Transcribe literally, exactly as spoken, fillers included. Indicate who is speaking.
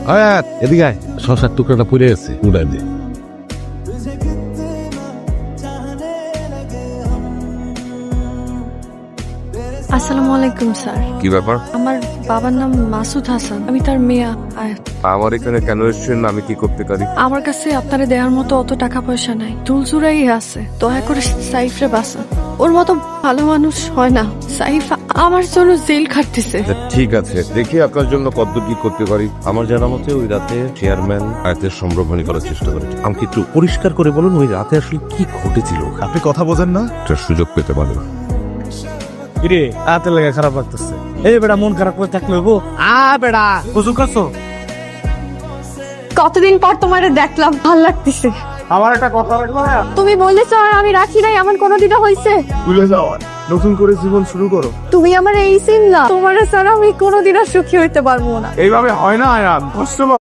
Speaker 1: আয়াত এদিকে আয়, শশার টুকরাটা পড়ে আছে, উড়াই দে।
Speaker 2: আসসালামু আলাইকুম স্যার।
Speaker 3: কি ব্যাপার?
Speaker 2: আমার বাবার নাম মাসুদ হাসান, আমি তার মেয়ে আয়াত।
Speaker 3: আমার এখানে কেন এসেছেন? আমি কি করতে পারি?
Speaker 2: আমার কাছে আপনারে দেওয়ার মতো অত টাকা পয়সা নাই, দুলচুরাই আছে, দয়া করে সাইফরে বাঁচান। ওর মতো ভালো মানুষ হয় না। সাইফ আমার জন্য জেল খাটতেছে।
Speaker 3: ঠিক আছে, দেখি আপনার জন্য কত কি করতে পারি।
Speaker 4: আমার জানা মতে ওই রাতে চেয়ারম্যান আয়াতের সম্ভ্রমণী করার চেষ্টা করেছে। আমাকে একটু পরিষ্কার করে বলুন ওই রাতে আসলে কি ঘটেছিল।
Speaker 1: আপনি কথা বোঝেন না?
Speaker 3: একটা সুযোগ পেতে পারেন।
Speaker 5: কিরে হাতে লেগে খারাপ লাগতেছে। এই বেটা মন খারাপ করে থাকলে হইব? আ বেটা বুঝু করছো?
Speaker 2: কতদিন পর তোমার দেখলাম, ভাল লাগতেছে।
Speaker 5: আমার একটা কথা রাখবো না?
Speaker 2: তুমি বলেছো আর আমি রাখি নাই, আমার কোনোদিনও হয়েছে?
Speaker 5: ভুলে যাও, নতুন করে জীবন শুরু করো।
Speaker 2: তুমি আমার এই চিনলা, তোমার ছাড়া আমি কোনোদিনও সুখী হইতে পারবো না।
Speaker 5: এইভাবে হয় না আয়ান, কষ্ট